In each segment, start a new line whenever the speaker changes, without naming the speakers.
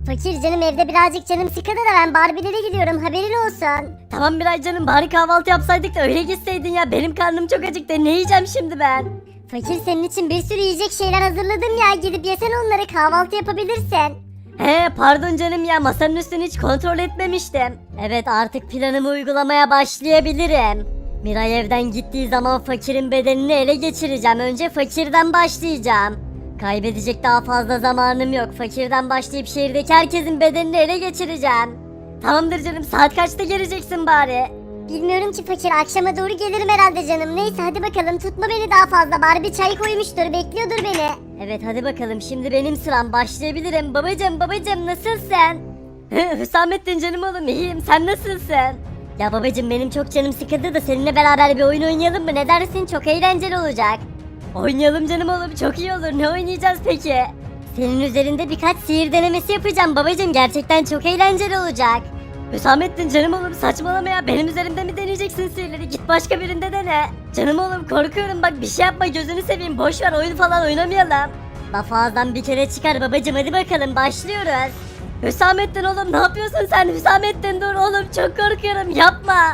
Fakir canım evde birazcık canım sıkıldı da ben Barbie'lere gidiyorum haberin olsun.
Tamam Miray canım bari kahvaltı yapsaydık da öyle gitseydin ya. Benim karnım çok acıktı. Ne yiyeceğim şimdi ben?
Fakir senin için bir sürü yiyecek şeyler hazırladım ya gidip yesen onları kahvaltı yapabilirsin.
He pardon canım ya masanın üstünü hiç kontrol etmemiştim. Evet artık planımı uygulamaya başlayabilirim. Miray evden gittiği zaman fakirin bedenini ele geçireceğim. Önce fakirden başlayacağım. Kaybedecek daha fazla zamanım yok. Fakirden başlayıp şehirdeki herkesin bedenini ele geçireceğim. Tamamdır canım saat kaçta geleceksin bari?
Bilmiyorum ki fakir akşama doğru gelirim herhalde canım. Neyse hadi bakalım tutma beni daha fazla. Barbie çay koymuştur bekliyordur beni.
Evet hadi bakalım şimdi benim sıram başlayabilirim. Babacım nasılsın? Hüsamettin canım oğlum iyiyim sen nasılsın? Ya babacım benim çok canım sıkıldı da seninle beraber bir oyun oynayalım mı? Ne dersin? Çok eğlenceli olacak. Oynayalım canım oğlum çok iyi olur. Ne oynayacağız peki? Senin üzerinde birkaç sihir denemesi yapacağım babacım. Gerçekten çok eğlenceli olacak. Hüsamettin canım oğlum saçmalama ya. Benim üzerimde mi deneyeceksin sihirleri? Git başka birinde dene. Canım oğlum korkuyorum bak bir şey yapma gözünü seveyim. Boş ver oyun falan oynamayalım. Laf ağızdan bir kere çıkar babacım hadi bakalım başlıyoruz. Hüsamettin oğlum ne yapıyorsun sen? Hüsamettin dur oğlum çok korkuyorum yapma.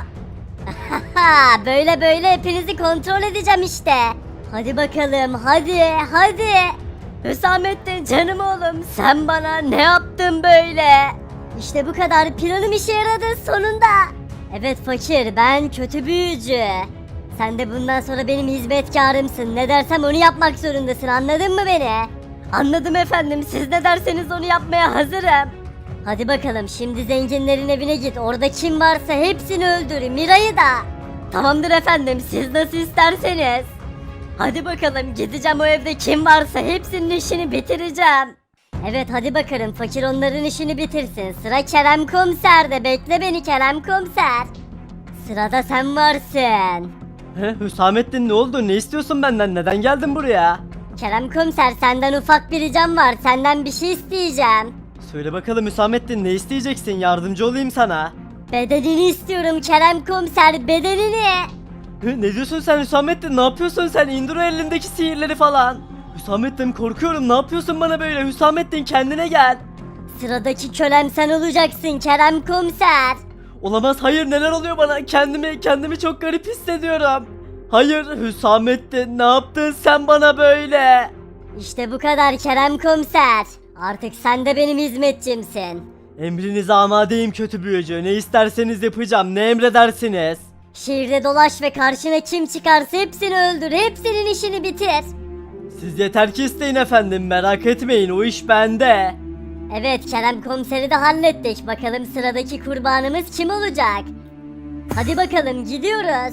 böyle hepinizi kontrol edeceğim işte. Hadi bakalım hadi. Hüsamettin canım oğlum sen bana ne yaptın böyle? İşte bu kadar planım işe yaradı sonunda. Evet fakir ben kötü büyücü. Sen de bundan sonra benim hizmetkarımsın. Ne dersem onu yapmak zorundasın anladın mı beni? Anladım efendim siz ne derseniz onu yapmaya hazırım. Hadi bakalım şimdi zenginlerin evine git. Orada kim varsa hepsini öldür. Miray'ı da. Tamamdır efendim siz nasıl isterseniz. Hadi bakalım gideceğim o evde kim varsa hepsinin işini bitireceğim. Evet hadi bakalım fakir onların işini bitirsin. Sıra Kerem Komiser'de bekle beni Kerem Komiser. Sırada sen varsın.
Hüsamettin ne oldu? Ne istiyorsun benden? Neden geldin buraya?
Kerem Komiser senden ufak bir ricam var. Senden bir şey isteyeceğim.
Söyle bakalım Hüsamettin ne isteyeceksin? Yardımcı olayım sana.
Bedenini istiyorum Kerem Komiser bedenini.
Ne diyorsun sen Hüsamettin? Ne yapıyorsun sen? İndir o elindeki sihirleri falan. Hüsamettin korkuyorum. Ne yapıyorsun bana böyle? Hüsamettin kendine gel.
Sıradaki kölem sen olacaksın Kerem Komiser.
Olamaz. Hayır neler oluyor bana? Kendimi çok garip hissediyorum. Hayır Hüsamettin ne yaptın sen bana böyle?
İşte bu kadar Kerem Komiser. Artık sen de benim hizmetçimsin.
Emrinize amadeyim kötü büyücü. Ne isterseniz yapacağım. Ne emredersiniz?
Şehirde dolaş ve karşına kim çıkarsa hepsini öldür. Hepsinin işini bitir.
Siz yeter ki isteyin efendim. Merak etmeyin o iş bende.
Evet Kerem Komiser'i de hallettik. Bakalım sıradaki kurbanımız kim olacak? Hadi bakalım gidiyoruz.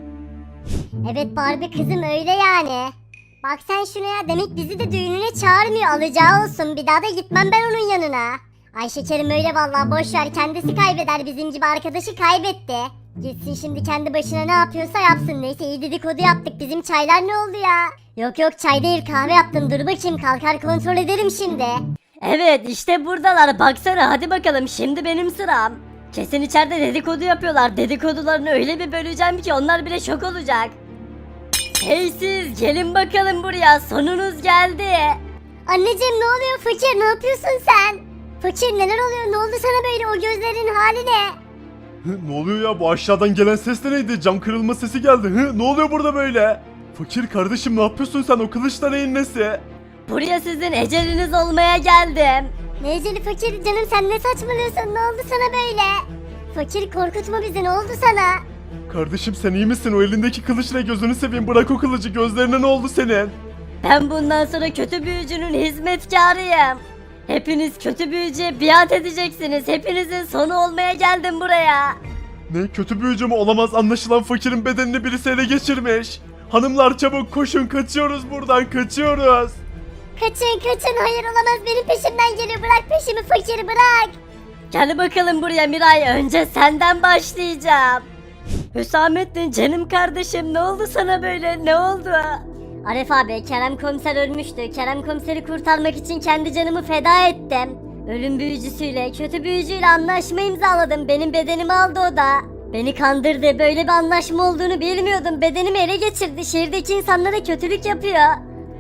Evet Barbie kızım öyle yani. Bak sen şuna ya demek bizi de düğününe çağırmıyor alacağı olsun bir daha da gitmem ben onun yanına. Ay şekerim öyle vallahi boş ver kendisi kaybeder bizim gibi arkadaşı kaybetti. Gitsin şimdi kendi başına ne yapıyorsa yapsın neyse iyi dedikodu yaptık bizim çaylar ne oldu ya? Yok çay değil kahve yaptım dur bakayım kalkar kontrol ederim şimdi.
Evet işte buradalar baksana hadi bakalım şimdi benim sıram. Kesin içeride dedikodu yapıyorlar. Dedikodularını öyle bir böleceğim ki onlar bile şok olacak. Hey siz gelin bakalım buraya sonunuz geldi.
Anneciğim ne oluyor fakir ne yapıyorsun sen? Fakir neler oluyor ne oldu sana böyle o gözlerin hali ne?
Ne oluyor ya bu aşağıdan gelen ses de neydi? Cam kırılma sesi geldi. Ne oluyor burada böyle? Fakir kardeşim ne yapıyorsun sen o kılıçla neyin nesi?
Buraya sizin eceliniz olmaya geldim.
Ne eceli fakir canım sen ne saçmalıyorsun ne oldu sana böyle? Fakir korkutma bizi ne oldu sana?
Kardeşim sen iyi misin? O elindeki kılıç ne gözünü seveyim bırak o kılıcı gözlerine ne oldu senin?
Ben bundan sonra kötü büyücünün hizmetkarıyım. Hepiniz kötü büyücüye biat edeceksiniz. Hepinizin sonu olmaya geldim buraya.
Ne kötü büyücü mü olamaz anlaşılan fakirin bedenini birisi ele geçirmiş. Hanımlar çabuk koşun kaçıyoruz buradan kaçıyoruz.
Kaçın hayır olamaz benim peşimden geliyor bırak peşimi fakir bırak.
Gel bakalım buraya Miray. Önce senden başlayacağım. Hüsamettin canım kardeşim ne oldu sana böyle ne oldu? Aref abi Kerem Komiser ölmüştü. Kerem Komiser'i kurtarmak için kendi canımı feda ettim. Ölüm büyücüsüyle kötü büyücüyle anlaşma imzaladım. Benim bedenimi aldı o da. Beni kandırdı. Böyle bir anlaşma olduğunu bilmiyordum. Bedenimi ele geçirdi. Şehirdeki insanlara kötülük yapıyor.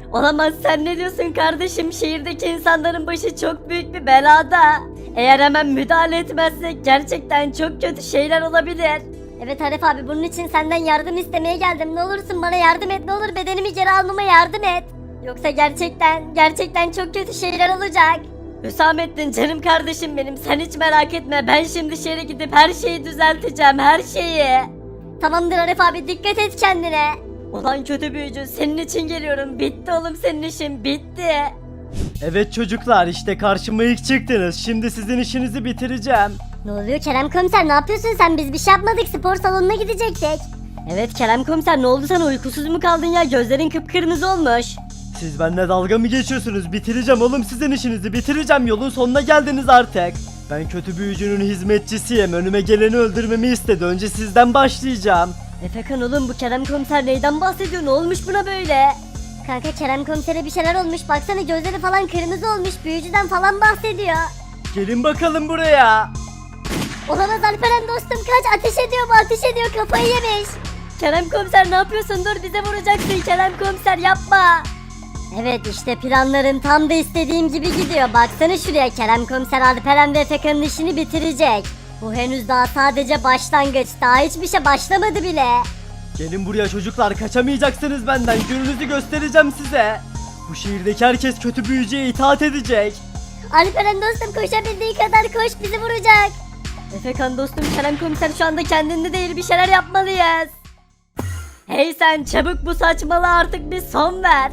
Olamaz, sen ne diyorsun kardeşim? Şehirdeki insanların başı çok büyük bir belada. Eğer hemen müdahale etmezsek gerçekten çok kötü şeyler olabilir.
Evet Arif abi, bunun için senden yardım istemeye geldim. Ne olursun bana yardım et, ne olur bedenimi geri almama yardım et.
Yoksa gerçekten çok kötü şeyler olacak. Hüsamettin canım kardeşim benim, sen hiç merak etme, ben şimdi şehre gidip her şeyi düzelteceğim, her şeyi.
Tamamdır Arif abi, dikkat et kendine.
Ulan kötü büyücü, senin için geliyorum, bitti oğlum senin işin, bitti.
Evet çocuklar, işte karşıma ilk çıktınız. Şimdi sizin işinizi bitireceğim.
Ne oluyor Kerem komiser, ne yapıyorsun sen? Biz bir şey yapmadık, spor salonuna gidecektik.
Evet Kerem komiser, ne oldu sana, uykusuz mu kaldın ya, gözlerin kıpkırmızı olmuş.
Siz benimle dalga mı geçiyorsunuz? Bitireceğim oğlum sizin işinizi, bitireceğim. Yolun sonuna geldiniz artık. Ben kötü büyücünün hizmetçisiyim. Önüme geleni öldürmemi istedi. Önce sizden başlayacağım.
Efekan oğlum, bu Kerem komiser neyden bahsediyor, ne olmuş buna böyle?
Kanka Kerem komisere bir şeyler olmuş, baksana gözleri falan kırmızı olmuş, büyücüden falan bahsediyor.
Gelin bakalım buraya.
Olamaz Alperen dostum, kaç, ateş ediyor bu, ateş ediyor, kafayı yemiş.
Kerem komiser ne yapıyorsun, dur bize vuracaksın, Kerem komiser yapma.
Evet, işte planlarım tam da istediğim gibi gidiyor. Baksana şuraya, Kerem komiser Alperen ve Efekan'ın işini bitirecek. Bu henüz daha sadece başlangıç, daha hiçbir şey başlamadı bile.
Gelin buraya çocuklar, kaçamayacaksınız benden. Gününüzü göstereceğim size. Bu şehirdeki herkes kötü büyücüye itaat edecek.
Alperen dostum, koşabildiği kadar koş, bizi vuracak.
Efekan dostum, Kerem komiser şu anda kendinde değil, bir şeyler yapmalıyız. Hey sen, çabuk bu saçmalığa artık bir son ver.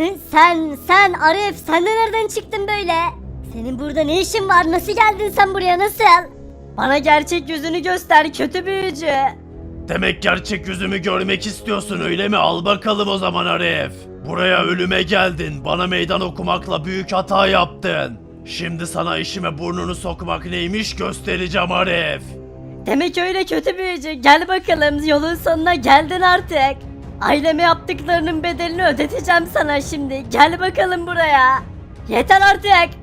Sen Arif, sen de nereden çıktın böyle? Senin burada ne işin var, nasıl geldin sen buraya, nasıl?
Bana gerçek yüzünü göster kötü büyücü.
Demek gerçek yüzümü görmek istiyorsun öyle mi? Al bakalım o zaman Arif. Buraya ölüme geldin. Bana meydan okumakla büyük hata yaptın. Şimdi sana işime burnunu sokmak neymiş göstereceğim Arif.
Demek öyle kötü büyücü, gel bakalım, yolun sonuna geldin artık. Aileme yaptıklarının bedelini ödeteceğim sana şimdi, gel bakalım buraya. Yeter artık.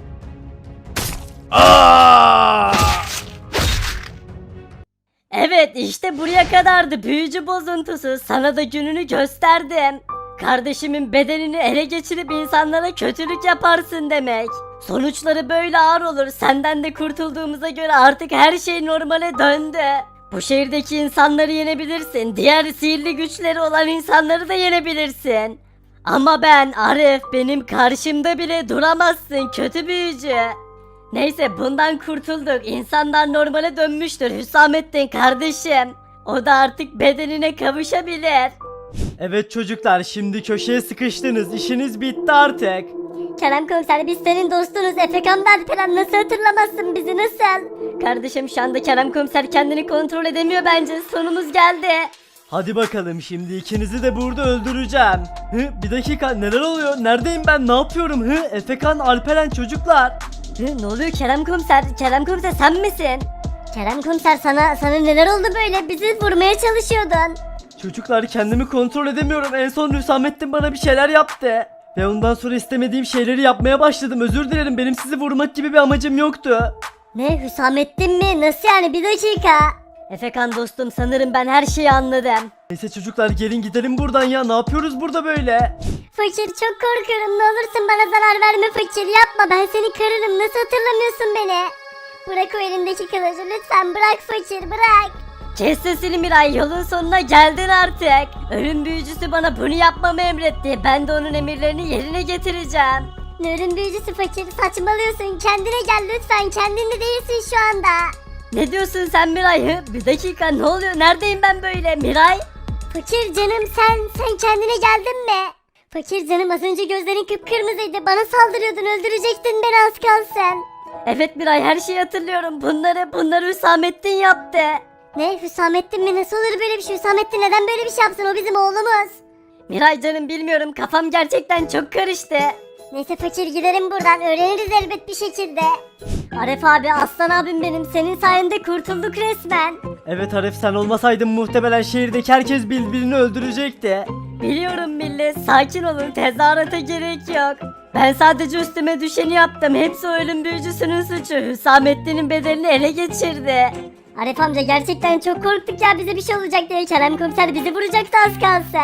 Aa!
Evet, işte buraya kadardı büyücü bozuntusu, sana da gününü gösterdim. Kardeşimin bedenini ele geçirip insanlara kötülük yaparsın demek. Sonuçları böyle ağır olur, senden de kurtulduğumuza göre artık her şey normale döndü. Bu şehirdeki insanları yenebilirsin, diğer sihirli güçleri olan insanları da yenebilirsin. Ama ben Arif, benim karşımda bile duramazsın kötü büyücü. Neyse, bundan kurtulduk, insanlar normale dönmüştür Hüsamettin kardeşim. O da artık bedenine kavuşabilir.
Evet çocuklar, şimdi köşeye sıkıştınız. İşiniz bitti artık.
Kerem komiser, biz senin dostunuz. Efekan ve Alperen, nasıl hatırlamazsın bizi, nasıl?
Kardeşim şu anda Kerem komiser kendini kontrol edemiyor bence, sonumuz geldi.
Hadi bakalım, şimdi ikinizi de burada öldüreceğim. Bir dakika, neler oluyor? Neredeyim ben? Ne yapıyorum? Efekan, Alperen çocuklar.
Ne oluyor Kerem komiser? Kerem komiser sen misin?
Kerem komiser, sana neler oldu böyle? Bizi vurmaya çalışıyordun.
Çocuklar, kendimi kontrol edemiyorum. En son Hüsamettin bana bir şeyler yaptı. Ve ondan sonra istemediğim şeyleri yapmaya başladım. Özür dilerim, benim sizi vurmak gibi bir amacım yoktu.
Ne, Hüsamettin mi? Nasıl yani, bir dakika.
Efekan dostum, sanırım ben her şeyi anladım.
Neyse çocuklar, gelin gidelim buradan ya. Ne yapıyoruz burada böyle?
Fakir, çok korkuyorum, ne olursun bana zarar verme fakir, yapma, ben seni kırarım, nasıl hatırlamıyorsun beni? Bırak o elindeki kılıcı lütfen, bırak fakir, bırak.
Kes sesini Miray, yolun sonuna geldin artık. Ölüm büyücüsü bana bunu yapmamı emretti. Ben de onun emirlerini yerine getireceğim.
Ne ölüm büyücüsü fakir, saçmalıyorsun, kendine gel lütfen, kendinde değilsin şu anda.
Ne diyorsun sen Miray? Bir dakika, ne oluyor? Neredeyim ben böyle Miray?
Fakir canım, sen kendine geldin mi? Fakir canım, az önce gözlerin kıpkırmızıydı, bana saldırıyordun, öldürecektin beni az kalsın.
Evet Miray, her şeyi hatırlıyorum. Bunları Hüsamettin yaptı.
Ne, Hüsamettin mi? Nasıl olur böyle bir şey? Hüsamettin neden böyle bir şey yapsın? O bizim oğlumuz.
Miray canım, bilmiyorum, kafam gerçekten çok karıştı.
Neyse fakir, gidelim buradan, öğreniriz elbet bir şekilde. Arif abi, aslan abim benim, senin sayende kurtulduk resmen.
Evet Arif, sen olmasaydın muhtemelen şehirdeki herkes birbirini öldürecekti.
Biliyorum millet, sakin olun, tezahürata gerek yok. Ben sadece üstüme düşeni yaptım, hepsi o ölüm büyücüsünün suçu. Hüsamettin'in bedelini ele geçirdi.
Arif amca, gerçekten çok korktuk ya, bize bir şey olacak diye. Kerem komiser bizi vuracaktı az kalsın.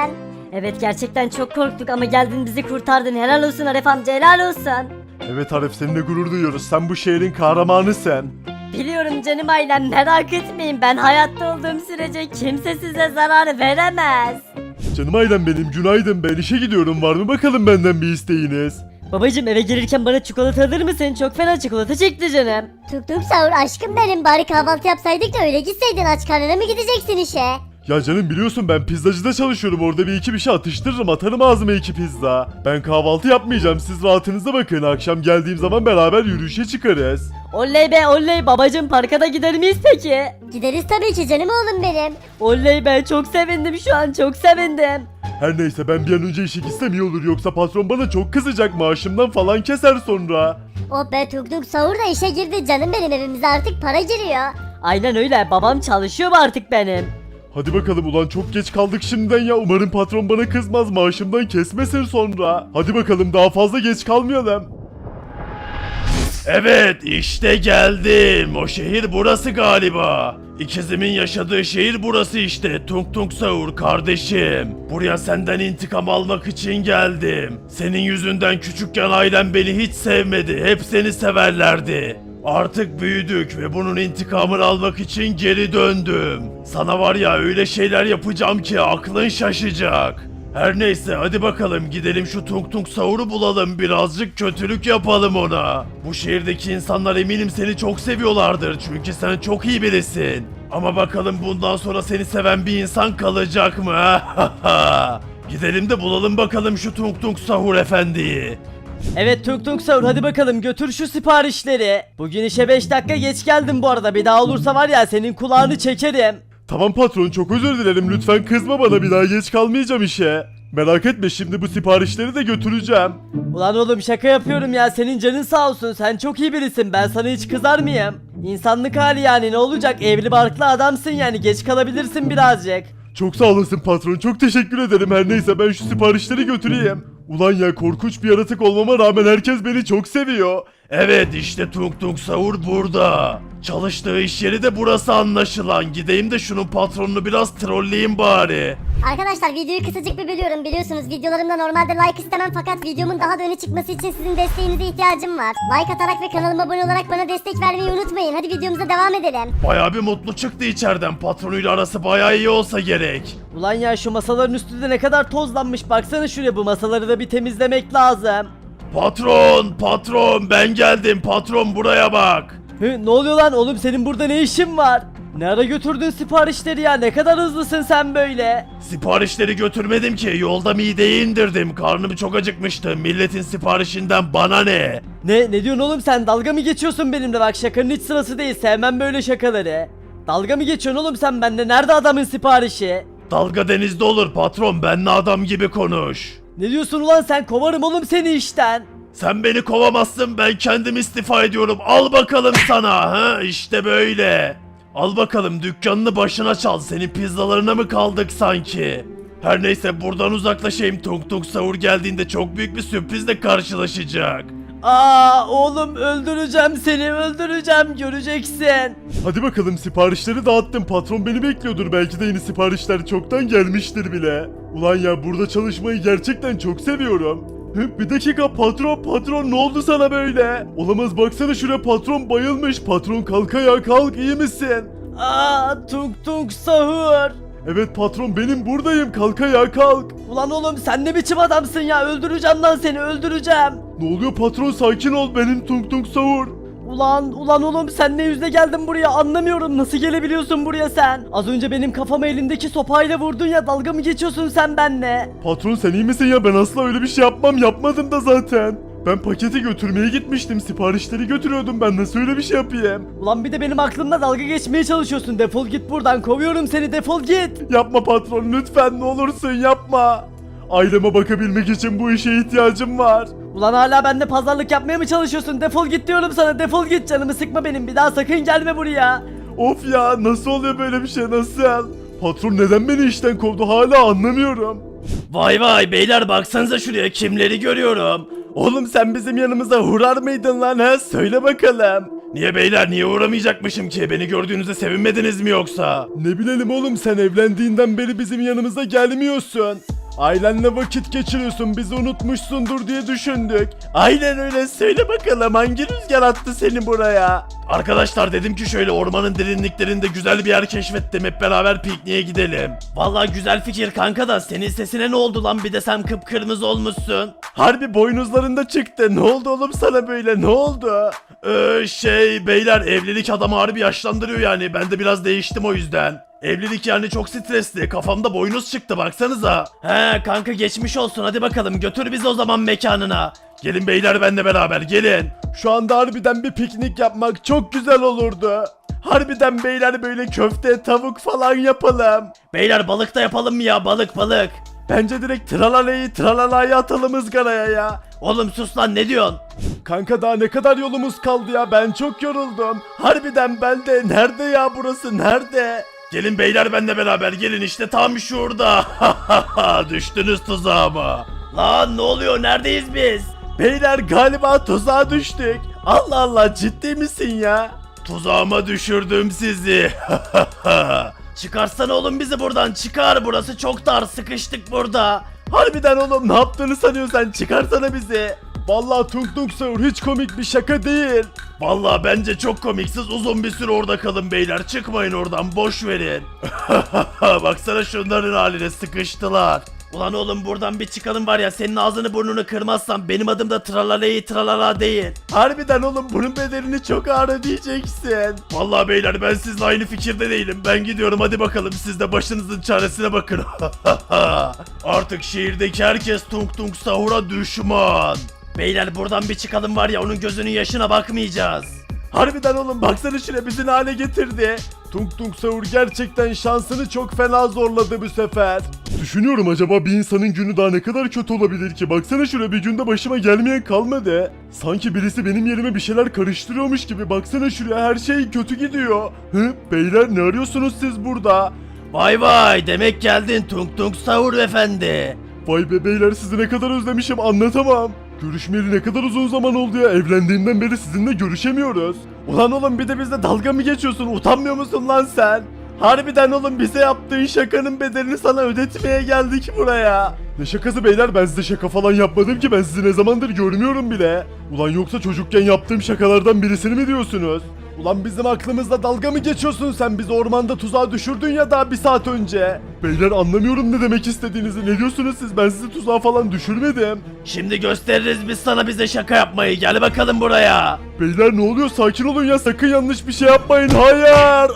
Evet gerçekten çok korktuk ama geldin bizi kurtardın. Helal olsun Arif amca, helal olsun.
Evet Arif, seninle gurur duyuyoruz. Sen bu şehrin kahramanısın.
Biliyorum canım ailem, merak etmeyin, ben hayatta olduğum sürece kimse size zarar veremez.
Canım ailem benim, günaydın, ben işe gidiyorum. Var mı bakalım benden bir isteğiniz?
Babacım eve gelirken bana çikolata alır mısın? Çok fena çikolata çekti canım.
Tuk tuk sahur aşkım benim, bari kahvaltı yapsaydık da öyle gitseydin, aç karnına mı gideceksin işe?
Ya canım biliyorsun ben pizzacıda çalışıyorum. Orada bir iki bir şey atıştırırım, atarım ağzıma 2 pizza. Ben kahvaltı yapmayacağım, siz rahatınıza bakın. Akşam geldiğim zaman beraber yürüyüşe çıkarız.
Oley be oley, babacım parka da gider miyiz peki?
Gideriz tabii ki canım oğlum benim.
Oley be, çok sevindim şu an, çok sevindim.
Her neyse, ben bir an önce işe gitsem iyi olur. Yoksa patron bana çok kızacak, maaşımdan falan keser sonra.
Oh be, tuk tuk sahur da işe girdi canım benim, evimize artık para giriyor.
Aynen öyle, babam çalışıyor mu artık benim?
Hadi bakalım ulan, çok geç kaldık şimdiden ya. Umarım patron bana kızmaz, maaşımdan kesmesin sonra. Hadi bakalım, daha fazla geç kalmayalım.
Evet işte geldim. O şehir burası galiba. İkizimin yaşadığı şehir burası işte. Tung Tung Sahur kardeşim. Buraya senden intikam almak için geldim. Senin yüzünden küçükken ailem beni hiç sevmedi. Hep seni severlerdi. Artık büyüdük ve bunun intikamını almak için geri döndüm. Sana var ya öyle şeyler yapacağım ki aklın şaşacak. Her neyse hadi bakalım gidelim şu Tung Tung Sahur'u bulalım, birazcık kötülük yapalım ona. Bu şehirdeki insanlar eminim seni çok seviyorlardır çünkü sen çok iyi birisin. Ama bakalım bundan sonra seni seven bir insan kalacak mı? Gidelim de bulalım bakalım şu Tung Tung Sahur efendiyi.
Evet Tung Tung Sahur, hadi bakalım götür şu siparişleri. Bugün işe 5 dakika geç geldim bu arada, bir daha olursa var ya senin kulağını çekerim.
Tamam patron, çok özür dilerim, lütfen kızma bana, bir daha geç kalmayacağım işe. Merak etme, şimdi bu siparişleri de götüreceğim.
Ulan oğlum şaka yapıyorum ya, senin canın sağ olsun, sen çok iyi birisin, ben sana hiç kızar mıyım? İnsanlık hali yani, ne olacak, evli barklı adamsın yani, geç kalabilirsin birazcık.
Çok sağ olasın patron, çok teşekkür ederim. Her neyse ben şu siparişleri götüreyim. Ulan ya, korkunç bir yaratık olmama rağmen herkes beni çok seviyor.
Evet işte Tung Tung Sahur burada. Çalıştığı iş yeri de burası anlaşılan. Gideyim de şunun patronunu biraz trolleyeyim bari.
Arkadaşlar videoyu kısacık bir bölüyorum, biliyorsunuz videolarımda normalde like istemem fakat videomun daha da öne çıkması için sizin desteğinize ihtiyacım var. Like atarak ve kanalıma abone olarak bana destek vermeyi unutmayın. Hadi videomuza devam edelim.
Bayağı bir mutlu çıktı içeriden. Patronuyla arası bayağı iyi olsa gerek.
Ulan ya şu masaların üstünde ne kadar tozlanmış, baksana şuraya, bu masaları da bir temizlemek lazım.
Patron ben geldim. Patron buraya bak.
Ne oluyor lan oğlum, senin burada ne işin var? Ne ara götürdün siparişleri ya, ne kadar hızlısın sen böyle?
Siparişleri götürmedim ki. Yolda mideyi indirdim. Karnım çok acıkmıştı. Milletin siparişinden bana ne?
Ne diyorsun oğlum sen, dalga mı geçiyorsun benimle? Bak şakanın hiç sırası değil, sevmem böyle şakaları. Dalga mı geçiyorsun oğlum sen benimle, nerede adamın siparişi?
Dalga denizde olur patron. Benle adam gibi konuş.
Ne diyorsun ulan sen, kovarım oğlum seni işten.
Sen beni kovamazsın, ben kendim istifa ediyorum. Al bakalım sana, ha işte böyle. Al bakalım dükkanını başına çal, senin pizzalarına mı kaldık sanki? Her neyse buradan uzaklaşayım, Tung Tung Sahur geldiğinde çok büyük bir sürprizle karşılaşacak.
Aa oğlum, öldüreceğim seni, öldüreceğim, göreceksin.
Hadi bakalım, siparişleri dağıttım. Patron beni bekliyordur. Belki de yeni siparişler çoktan gelmiştir bile. Ulan ya, burada çalışmayı gerçekten çok seviyorum. Bir dakika patron ne oldu sana böyle? Olamaz, baksana şuraya, patron bayılmış. Patron kalk ayağa, kalk, iyi misin?
Aa Tung Tung Sahur.
Evet patron, benim buradayım, kalk ayağa, kalk.
Ulan oğlum sen ne biçim adamsın ya, öldüreceğim lan seni, öldüreceğim.
Ne oluyor patron, sakin ol, benim Tung Tung Sahur.
Ulan oğlum sen ne yüzle geldin buraya, anlamıyorum, nasıl gelebiliyorsun buraya sen? Az önce benim kafama elindeki sopayla vurdun ya, dalga mı geçiyorsun sen benimle?
Patron sen iyi misin ya, ben asla öyle bir şey yapmam, yapmadım da zaten. Ben paketi götürmeye gitmiştim, siparişleri götürüyordum, ben nasıl öyle bir şey yapayım?
Ulan bir de benim aklımla dalga geçmeye çalışıyorsun, defol git buradan, kovuyorum seni, defol git.
Yapma patron, lütfen, ne olursun yapma. Aileme bakabilmek için bu işe ihtiyacım var.
Ulan hala bende pazarlık yapmaya mı çalışıyorsun, defol git diyorum sana, defol git, canımı sıkma benim, bir daha sakın gelme buraya.
Of ya, nasıl oluyor böyle bir şey, nasıl? Patron neden beni işten kovdu hala anlamıyorum.
Vay beyler baksanıza şuraya, kimleri görüyorum.
Oğlum sen bizim yanımıza uğrar mıydın lan, ha? Söyle bakalım.
Niye beyler, niye uğramayacakmışım ki? Beni gördüğünüzde sevinmediniz mi yoksa?
Ne bilelim oğlum, sen evlendiğinden beri bizim yanımıza gelmiyorsun. Ailenle vakit geçiriyorsun, bizi unutmuşsundur diye düşündük. Aynen öyle, söyle bakalım hangi rüzgar attı seni buraya?
Arkadaşlar dedim ki şöyle ormanın derinliklerinde güzel bir yer keşfettim. Hep beraber pikniğe gidelim. Vallahi güzel fikir kanka da senin sesine ne oldu lan? Bir de sen kıpkırmızı olmuşsun.
Harbi boynuzlarında çıktı. Ne oldu oğlum sana böyle, ne oldu?
Beyler evlilik adamı harbi yaşlandırıyor yani. Ben de biraz değiştim o yüzden. Evlilik yani çok stresli. Kafamda boynuz çıktı baksanıza. He kanka geçmiş olsun, hadi bakalım götür bizi o zaman mekanına. Gelin beyler benle beraber gelin.
Şu anda harbiden bir piknik yapmak çok güzel olurdu. Harbiden beyler böyle köfte, tavuk falan yapalım.
Beyler balık da yapalım mı ya, balık?
Bence direkt tralalayı atalım ızgaraya ya.
Oğlum sus lan, ne diyorsun?
Kanka daha ne kadar yolumuz kaldı ya, ben çok yoruldum. Harbiden ben de, nerede ya burası, nerede?
Gelin beyler benle beraber gelin, işte tam şurada. Düştünüz tuzağıma. Lan ne oluyor, neredeyiz biz?
Beyler galiba tuzağa düştük. Allah Allah, ciddi misin ya?
Tuzağıma düşürdüm sizi. Çıkarsana oğlum bizi buradan, çıkar, burası çok dar, sıkıştık burada.
Harbiden oğlum, ne yaptığını sanıyorsun sen, çıkarsana bizi. Vallahi Tung Tung Sahur hiç komik bir şaka değil.
Vallahi bence çok komiksiz, uzun bir süre orada kalın beyler, çıkmayın oradan, boş verin. Baksana şunların haline, sıkıştılar. Ulan oğlum buradan bir çıkalım var ya, senin ağzını burnunu kırmazsam benim adım da tralala değil.
Harbiden oğlum, bunun bedelini çok ağır ödeyeceksin.
Vallahi beyler ben sizinle aynı fikirde değilim. Ben gidiyorum, hadi bakalım siz de başınızın çaresine bakın. Artık şehirdeki herkes Tung Tung Sahur'a düşman. Beyler buradan bir çıkalım var ya, onun gözünün yaşına bakmayacağız.
Harbiden oğlum, baksana şuraya bizi ne hale getirdi. Tung Tung Sahur gerçekten şansını çok fena zorladı bu sefer. Düşünüyorum, acaba bir insanın günü daha ne kadar kötü olabilir ki? Baksana şuraya, bir günde başıma gelmeyen kalmadı. Sanki birisi benim yerime bir şeyler karıştırıyormuş gibi. Baksana şuraya, her şey kötü gidiyor. Beyler ne arıyorsunuz siz burada?
Vay demek geldin Tung Tung Sahur efendi.
Vay be beyler, sizi ne kadar özlemişim, anlatamam. Görüşmeyeli ne kadar uzun zaman oldu ya, evlendiğimden beri sizinle görüşemiyoruz. Ulan oğlum, bir de bizle dalga mı geçiyorsun, utanmıyor musun lan sen? Harbiden oğlum, bize yaptığın şakanın bedelini sana ödetmeye geldik buraya. Ne şakası beyler, ben size şaka falan yapmadım ki, ben sizi ne zamandır görmüyorum bile. Ulan yoksa çocukken yaptığım şakalardan birisini mi diyorsunuz? Ulan bizim aklımızla dalga mı geçiyorsun sen? Bizi ormanda tuzağa düşürdün ya daha bir saat önce. Beyler anlamıyorum ne demek istediğinizi. Ne diyorsunuz siz? Ben sizi tuzağa falan düşürmedim.
Şimdi gösteririz biz sana bize şaka yapmayı, gel bakalım buraya.
Beyler ne oluyor? Sakin olun ya, sakın yanlış bir şey yapmayın. Hayır.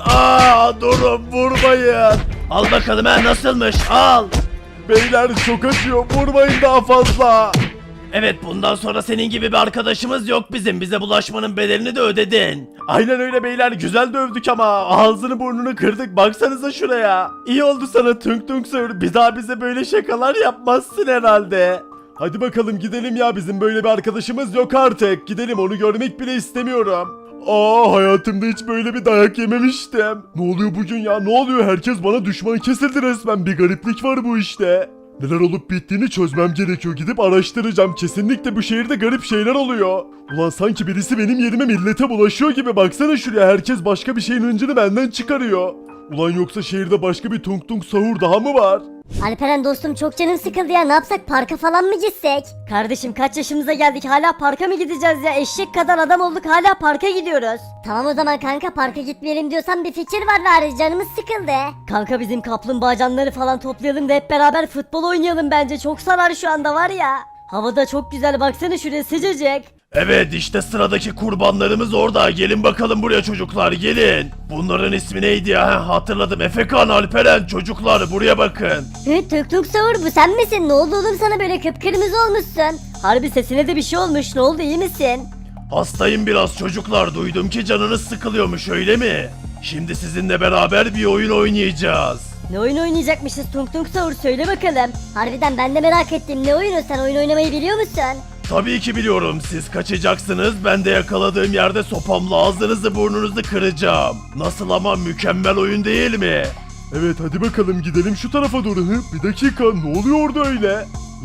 Durun, vurmayın. Al bakalım nasılmış, al.
Beyler çok acıyor. Vurmayın daha fazla.
Evet, bundan sonra senin gibi bir arkadaşımız yok bizim. Bize bulaşmanın bedelini de ödedin.
Aynen öyle beyler, güzel dövdük ama ağzını burnunu kırdık, baksanıza şuraya. İyi oldu sana Tung Tung Sahur, bir daha bize böyle şakalar yapmazsın herhalde. Hadi bakalım gidelim ya, bizim böyle bir arkadaşımız yok artık. Gidelim, onu görmek bile istemiyorum. Hayatımda hiç böyle bir dayak yememiştim. Ne oluyor bugün ya, ne oluyor? Herkes bana düşman kesildi resmen, bir gariplik var bu işte. Neler olup bittiğini çözmem gerekiyor, gidip araştıracağım. Kesinlikle bu şehirde garip şeyler oluyor. Ulan sanki birisi benim yerime millete bulaşıyor gibi, baksana şuraya, herkes başka bir şeyin hıncını benden çıkarıyor. Ulan yoksa şehirde başka bir Tung Tung Sahur daha mı var?
Alperen dostum, çok canım sıkıldı ya, ne yapsak, parka falan mı gitsek?
Kardeşim kaç yaşımıza geldik, hala parka mı gideceğiz ya? Eşek kadar adam olduk, hala parka gidiyoruz.
Tamam o zaman kanka, parka gitmeyelim diyorsan bir fikir var bari, canımız sıkıldı.
Kanka bizim kaplumbağacanları falan toplayalım da hep beraber futbol oynayalım, bence çok sarar şu anda var ya. Havada çok güzel, baksana şuraya, sıcacık.
Evet, işte sıradaki kurbanlarımız orada. Gelin bakalım buraya çocuklar, gelin. Bunların ismi neydi ya? Hatırladım. Efekan, Alperen, çocuklar buraya bakın.
Tung Tung Sahur, bu sen misin? Ne oldu oğlum sana, böyle kıpkırmızı olmuşsun?
Harbi sesine de bir şey olmuş, ne oldu, iyi misin?
Hastayım biraz çocuklar. Duydum ki canınız sıkılıyormuş, öyle mi? Şimdi sizinle beraber bir oyun oynayacağız.
Ne oyun oynayacakmışız Tung Tung Sahur, söyle bakalım.
Harbiden ben de merak ettim, ne oyunu, sen oyun oynamayı biliyor musun?
Tabii ki biliyorum. Siz kaçacaksınız. Ben de yakaladığım yerde sopamla ağzınızı burnunuzu kıracağım. Nasıl ama, mükemmel oyun değil mi?
Evet hadi bakalım gidelim şu tarafa doğru. Bir dakika, ne oluyor orada öyle?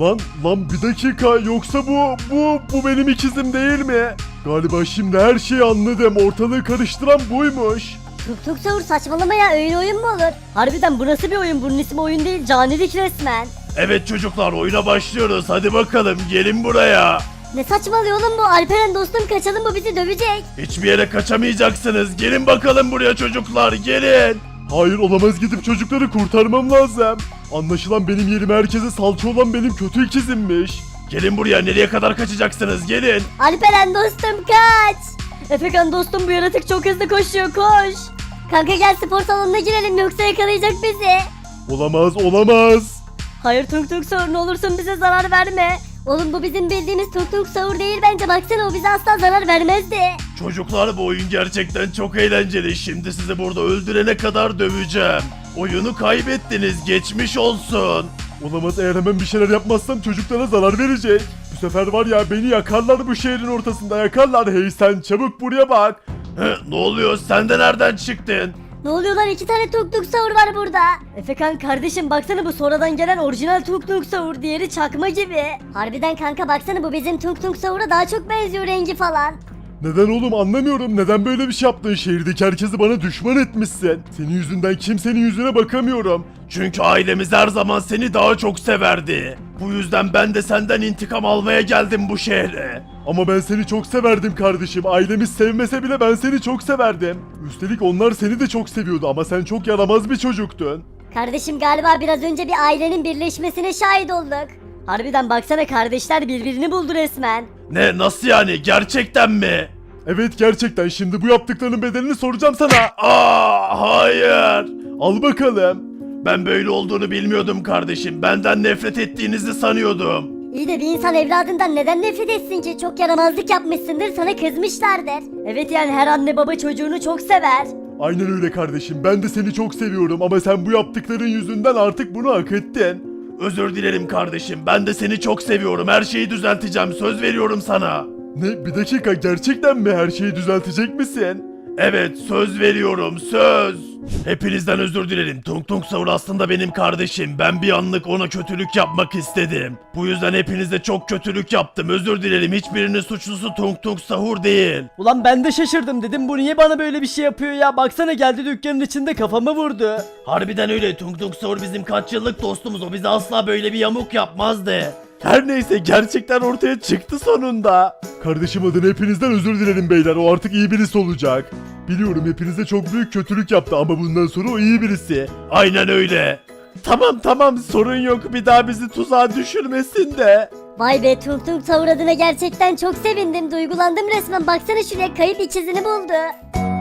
Lan bir dakika, yoksa bu benim ikizim değil mi? Galiba şimdi her şeyi anladım, ortalığı karıştıran buymuş.
Tung Tung Sahur, saçmalama ya, öyle oyun mu olur?
Harbiden bu nasıl bir oyun, bunun ismi oyun değil, canilik resmen.
Evet çocuklar oyuna başlıyoruz. Hadi bakalım gelin buraya.
Ne saçmalıyor oğlum bu? Alperen dostum kaçalım, bu bizi dövecek.
Hiçbir yere kaçamayacaksınız. Gelin bakalım buraya çocuklar gelin.
Hayır olamaz, gidip çocukları kurtarmam lazım. Anlaşılan benim yerime herkese salça olan benim kötü ikizimmiş.
Gelin buraya, nereye kadar kaçacaksınız gelin.
Alperen dostum kaç. Efekan dostum bu yaratık çok hızlı koşuyor, koş. Kanka gel spor salonuna girelim yoksa yakalayacak bizi.
Olamaz olamaz.
Hayır Tung Tung Sahur, ne olursun bize zarar verme. Oğlum bu bizim bildiğimiz Tung Tung Sahur değil bence, baksana o bize asla zarar vermezdi.
Çocuklar bu oyun gerçekten çok eğlenceli. Şimdi sizi burada öldürene kadar döveceğim. Oyunu kaybettiniz, geçmiş olsun.
Olamaz, eğer hemen bir şeyler yapmazsam çocuklara zarar verecek. Bu sefer var ya, beni yakarlar bu şehrin ortasında, yakarlar. Hey sen, çabuk buraya bak.
Ne oluyor, sen de nereden çıktın?
Ne oluyor lan, 2 tane Tung Tung Sahur var burada. Efekan kardeşim baksana, bu sonradan gelen orijinal Tung Tung Sahur, diğeri çakma gibi. Harbiden kanka baksana, bu bizim Tung Tung Sahur'a daha çok benziyor rengi falan.
Neden oğlum, anlamıyorum. Neden böyle bir şey yaptın? Şehirdeki herkesi bana düşman etmişsin. Senin yüzünden kimsenin yüzüne bakamıyorum.
Çünkü ailemiz her zaman seni daha çok severdi. Bu yüzden ben de senden intikam almaya geldim bu şehre.
Ama ben seni çok severdim kardeşim. Ailemiz sevmese bile ben seni çok severdim. Üstelik onlar seni de çok seviyordu ama sen çok yaramaz bir çocuktun.
Kardeşim galiba biraz önce bir ailenin birleşmesine şahit olduk. Harbiden baksana, kardeşler birbirini buldu resmen.
Ne, nasıl yani, gerçekten mi?
Evet gerçekten, şimdi bu yaptıklarının bedelini soracağım sana.
Hayır.
Al bakalım.
Ben böyle olduğunu bilmiyordum kardeşim. Benden nefret ettiğinizi sanıyordum.
İyi de bir insan evladından neden nefret etsin ki? Çok yaramazlık yapmışsındır, sana kızmışlardır. Evet yani her anne baba çocuğunu çok sever.
Aynen öyle kardeşim, ben de seni çok seviyorum ama sen bu yaptıkların yüzünden artık bunu hak ettin.
Özür dilerim kardeşim. Ben de seni çok seviyorum. Her şeyi düzelteceğim. Söz veriyorum sana.
Ne, bir dakika, gerçekten mi her şeyi düzeltecek misin?
Evet, söz veriyorum. Söz. Hepinizden özür dilerim. Tung Tung Sahur aslında benim kardeşim. Ben bir anlık ona kötülük yapmak istedim. Bu yüzden hepinize çok kötülük yaptım. Özür dilerim. Hiçbirinin suçlusu Tung Tung Sahur değil.
Ulan ben de şaşırdım, dedim bu niye bana böyle bir şey yapıyor ya, baksana geldi dükkanın içinde kafama vurdu.
Harbiden öyle. Tung Tung Sahur bizim kaç yıllık dostumuz. O bize asla böyle bir yamuk yapmazdı.
Her neyse, gerçekten ortaya çıktı sonunda. Kardeşim adına hepinizden özür dilerim beyler, o artık iyi birisi olacak. Biliyorum hepinize çok büyük kötülük yaptı ama bundan sonra o iyi birisi.
Aynen öyle.
Tamam sorun yok, bir daha bizi tuzağa düşürmesin de.
Vay be, Tung Tung Sahur adına gerçekten çok sevindim, duygulandım resmen, baksana şuraya, kayıp ikizini buldu.